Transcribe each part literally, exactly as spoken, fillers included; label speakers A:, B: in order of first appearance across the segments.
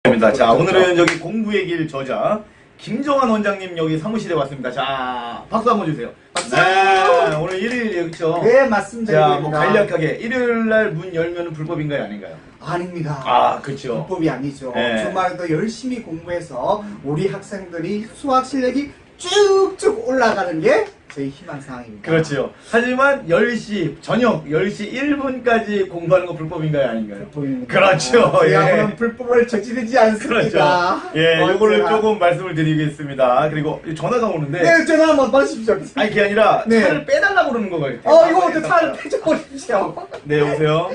A: 자, 오늘은 여기 공부의 길 저자 김정환 원장님 여기 사무실에 왔습니다. 자, 박수 한번 주세요.
B: 박수!
A: 네, 오늘 일요일이죠?
B: 네, 맞습니다.
A: 자, 뭐
B: 일요일입니다.
A: 간략하게 일요일 날 문 열면 불법인가요, 아닌가요?
B: 아닙니다.
A: 아, 그렇죠.
B: 불법이 아니죠.
A: 네.
B: 주말에도 열심히 공부해서 우리 학생들이 수학 실력이 쭉쭉 올라가는 게 저희 희망사항입니다.
A: 그렇죠. 하지만 열 시, 저녁 열 시 일 분까지 공부하는 거 불법인가요, 아닌가요?
B: 불법입니다.
A: 그렇죠.
B: 제가
A: 예.
B: 그런 불법을 저지르지 않습니다.
A: 그렇죠. 예, 요거를
B: 언제나.
A: 조금 말씀을 드리겠습니다. 그리고 전화가 오는데.
B: 네, 전화 한번 받으십시오.
A: 아니, 그게 아니라
B: 네.
A: 차를 빼달라고 그러는 거 같아요.
B: 어, 이거 어떻게 차를 빼줘버리십시오.
A: 네, 여보세요?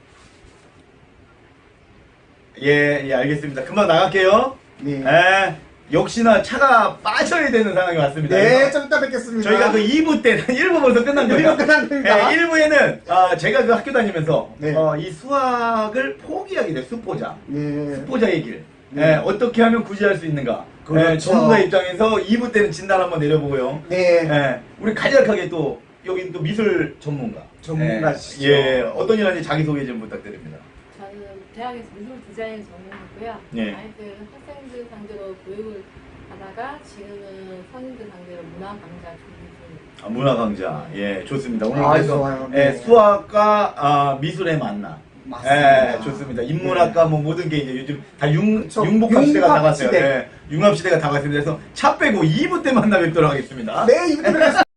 A: 예, 예, 알겠습니다. 금방 나갈게요.
B: 네.
A: 예, 역시나 차가 빠져야 되는 상황이 왔습니다.
B: 네,
A: 그래서
B: 좀 이따 뵙겠습니다.
A: 저희가 그 이 부 때는 일 부 벌써 끝난 거예요.
B: 일 부 끝났습니다.
A: 예, 일 부에는 아, 제가 그 학교 다니면서
B: 네.
A: 어, 이 수학을 포기하게 돼요. 수포자.
B: 네.
A: 수포자의 길.
B: 네.
A: 예, 어떻게 하면 구제할 수 있는가.
B: 그렇죠.
A: 예, 전문가 입장에서 이 부 때는 진단 한번 내려보고요.
B: 네.
A: 예, 우리 간략하게 또 여기 또 미술 전문가.
B: 전문가시죠.
A: 예, 예, 어떤 일 하는지 자기소개 좀 부탁드립니다.
C: 저는 대학에서 미술 디자인 전공했고요.
A: 네.
C: 아이들, 학생들 상대로 교육을 하다가 지금은 성인들 상대로 문화 강좌 준비 중입니다.
A: 아, 문화 강좌. 예, 좋습니다. 오늘
B: 아,
A: 그래서
B: 좋아요.
A: 예,
B: 네.
A: 수학과 아, 미술의 만남.
B: 맞습니다.
A: 예, 좋습니다. 인문학과 뭐 모든 게 이제 요즘 다 융,
B: 그쵸.
A: 융복합 시대가
B: 융합
A: 다갔어요.
B: 시대.
A: 예, 융합 시대가 다갔습니다. 그래서 차 빼고 이 부 때 만나 뵙도록 하겠습니다.
B: 네, 이부터 뵙겠습니다.